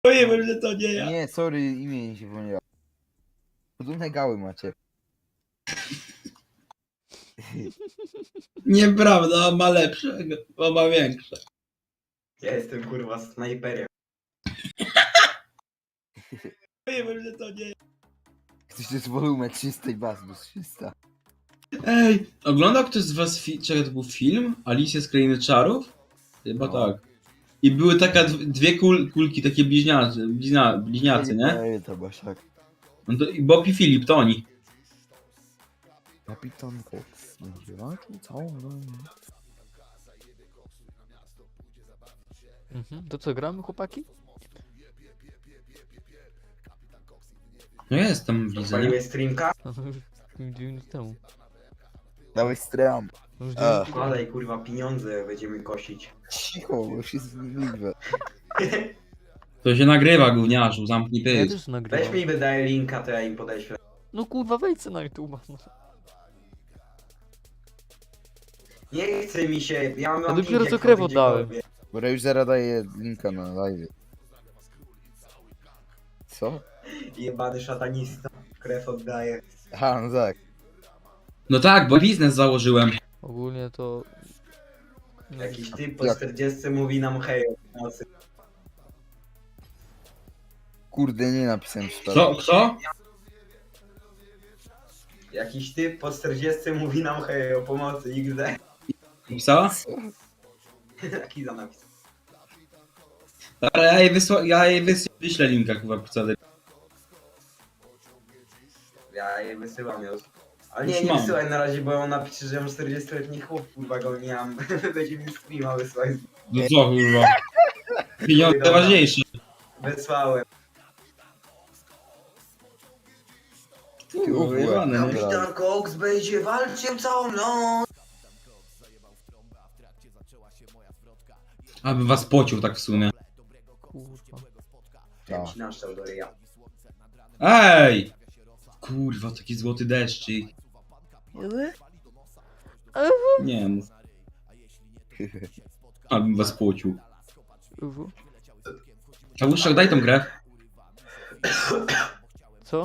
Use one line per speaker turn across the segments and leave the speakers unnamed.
Powiem, że to nie ja.
Nie, sorry, imię mi się pomyliło. Podobne gały macie.
Nieprawda, on ma lepszego, on ma większe.
Ja jestem kurwa snajperem.
Powiem, że to nie ja.
Ktoś to jest wolumę 300 i Basbus 300.
Ej, oglądał ktoś z was czego to był film? Alicja z Krainy Czarów? Chyba
No.
tak. I były takie dwie kulki, takie bliźniacy, nie?
To Basiak.
No to, i Bob i Filip, to oni.
Kapitan Cox. Będzie walczył całą noc.
To co, gramy, chłopaki?
No jestem, widzę, nie?
Paliłeś streamka?
No to już 2 minuty temu.
Dawaj stram.
No już
A.
2 minuty
Wkładaj kurwa pieniądze, będziemy kosić.
Cicho, bo już jest zniewliwe.
To się nagrywa, gówniarzu, zamknij
Ja
pysk.
też
Weź
nagrywam.
mi wydaje linka, to ja im podeślę.
No kurwa, wejdź na YouTube. No.
Nie chce mi się, ja mam
Ja dopiero
link,
co
jak
krew
wchodzę
oddałem.
gdziekolwiek.
Bo ja już zaraz daję linka na live. Co?
Jebany szatanista. Krew oddaje.
Aha, no tak.
No tak, bo biznes założyłem.
Ogólnie to... No,
Jakiś typ po
Jak?
40 mówi nam hej o nocy.
Kurde, nie napisałem szpera.
Co?
Jakiś typ po 40 mówi nam hej o pomocy XD.
Pisała?
Taki za napis.
Dobra, ja jej wyślę linka, chyba, co?
Ja je wysyłam już. Ale nie,
Już
nie
mam.
wysyłaj na razie, bo on napisze, że mam 40-letni chłop, kurwa go nie mam. Będzie mi streama wysłać.
No co, kurwa? Pieniądze ważniejsze.
Wysłałem.
Kurwa, wyjebane, nie?
Kapitan Cox będzie walczył całą noc.
Aby was pocił tak w sumie.
kurwa.
Ja ci naszczał do ryja.
Ej! Kurwa, taki złoty deszczyk. Nie mów. Abym was pocił. Kałuszczak, daj tą grę.
Co?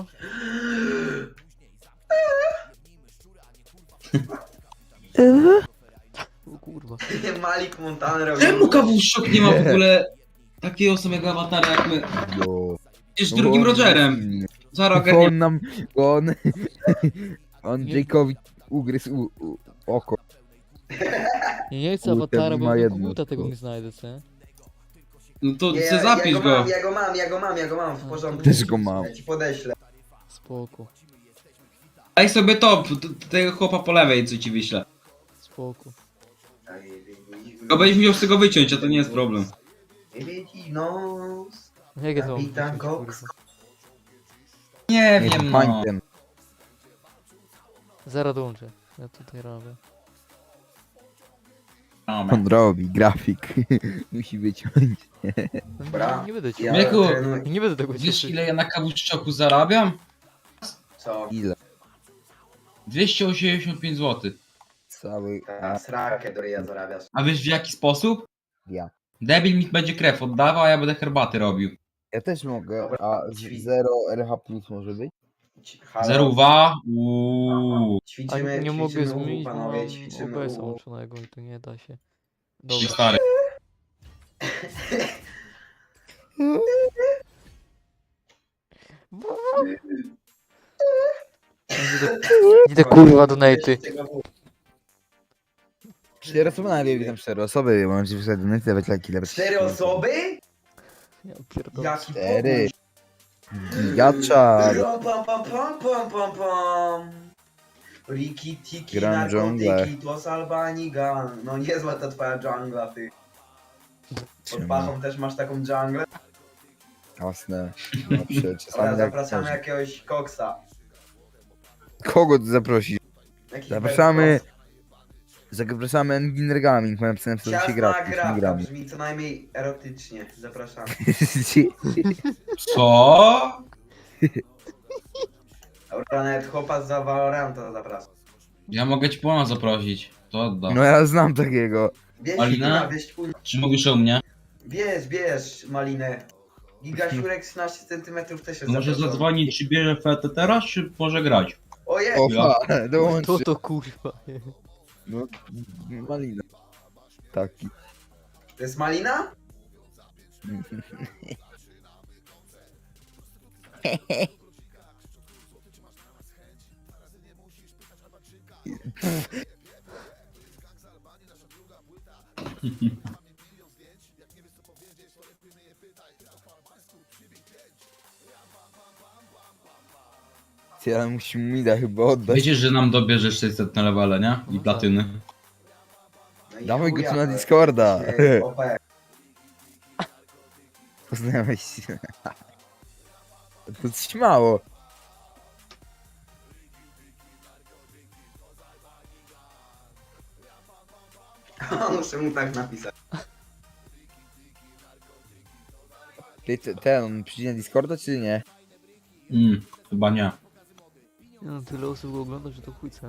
O kurwa.
Malik Montana robił.
Czemu Kawuszczak nie ma w ogóle takiego samego awatara jak my?
Jo.
Jest drugim Rogerem. Zaraz
Bo
ogarnię.
on nam... Bo on... On
Nie.
Jake'owi ugryzł oko.
Nie chcę
Kurde,
awatara, bo
ma
do
jedno
koguta tego
tylko.
nie znajdę, co?
No to
Nie,
chcę zapisz go.
Ja go mam, w porządku.
Też go mam.
Ja ci podeślę.
Spoko,
Daj sobie top, tego chłopa po lewej, co ci wyślę.
spoko.
Tylko będziesz musiał z tego wyciąć, a to nie jest problem.
No.
Jak ja to mam
Kapitan
wrzucić,
Cox.
kurwa?
Nie
Nie
wiem, no.
pańtem.
Zaraz dołączę. Ja tutaj robię.
On robi, grafik. Musi wyciąć.
No,
Dobra.
nie będę ci.
Ja
Mieku.
trenuję.
Nie będę tego
Wiesz
cieszyć.
ile ja na Kawuszczaku zarabiam?
Co?
Ile?
285 zł.
Cały...
Ta srakę do ryja zarabiasz.
A wiesz w jaki sposób?
Ja.
Debil mi będzie krew oddawał, a ja będę herbaty robił.
Ja też mogę,
Dobra,
a
ćwi-
0 RH plus może być?
Halo?
Zeruwa.
A
Ćwiczymy,
nie mogę
ćwiczymy
zmienić, bo
panowie,
mam
ćwiczymy
OBS
u.
łączonego i to nie da się.
Ci
Dobra.
stary.
Idę kurwa donaty.
4 osoby na live, tam 4 osoby, mam ci wysłać donate, dawać lajki, dawać...
4 osoby?
Ja pierdolę.
Jaki
4. Gigacza.
Pam pam pam pam pam pam pam. Riki tiki
Gram dżunglę.
narkotyki to z Albanii gun. No niezła ta twoja dżungla ty. Pod pachą też masz taką dżunglę?
Jasne. Zawsze,
Dobra,
czasami tak
zapraszamy
coś.
jakiegoś koksa.
Kogo ty zaprosić?
Jakiś
Zapraszamy...
koksa.
Zapraszamy Enginer Gaming, mam napisane, co się gra.
Ciasna gra, to
gramy.
brzmi co najmniej erotycznie. Zapraszamy.
Co?
Dobra, nawet chłopa z Valoranta zapraszam.
Ja mogę ci pana zaprosić. To oddam.
No ja znam takiego.
Wieś,
Malina?
kurwa, wieś,
Czy mówisz o mnie?
bierz malinę. Gigasiurek 13 cm też jest
Może
zaproszony.
zadzwonić, czy bierze fetę teraz, czy może grać?
Ojej!
Opa, dołączy.
To to kurwa.
No, malina. Taki.
To jest malina?
Ty, ale musimy Mida chyba oddać.
Wiecie, że nam dobierzesz 600 na levele, nie? I
No
platyny.
No i
Dawaj go
chuja,
tu na
to
Discorda.
jest OP.
Poznałeś się. To coś mało.
Muszę mu tak napisać.
Ty, ten, on przyjdzie na Discorda czy nie?
Chyba nie.
No, tyle osób go ogląda, że to chuj, co?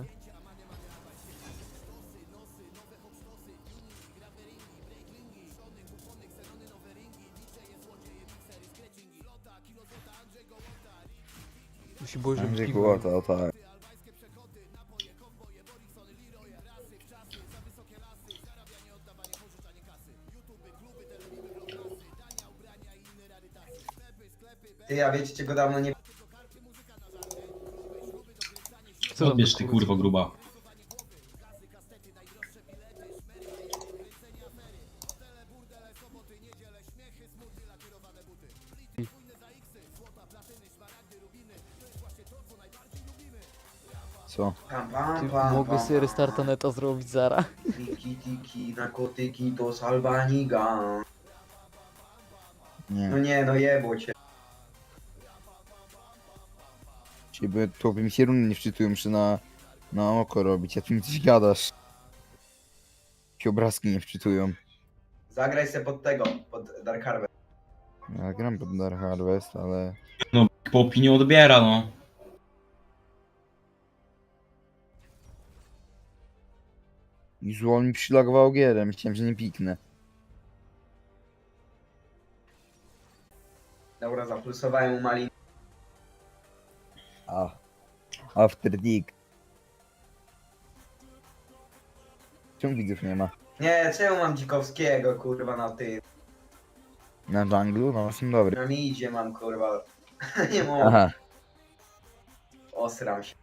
Musi było, żeby
Andrzej
piwo.
Kłota, o tak.
Ty, ja wiecie, czego dawno nie...
Co tam
Odbierz
za
ty
kurwa?
kurwo gruba.
Co?
Pam, pam,
Ty,
pam,
mogę
pam,
sobie
pam.
restarta neta zrobić zara.
Tiki, narkotyki to salbaniga.
Nie.
No nie, no jebło cię.
Ciebie to mi się runy nie wczytują, muszę na oko robić, a ty mi coś gadasz. Się obrazki nie wczytują.
Zagraj se pod tego, pod Dark Harvest.
Ja gram pod Dark Harvest, ale...
No, po opinii odbiera, no.
Już on mi przylagował gierę, myślałem, że nie piknę.
Dobra, zaplusowałem mu malin.
A. After Dick. Czemu widzów nie ma?
Nie, czemu mam Dzikowskiego, kurwa, na ty?
Na junglu? No, są dobry.
Na midzie mam, kurwa. Nie mogę.
Aha.
Osram się.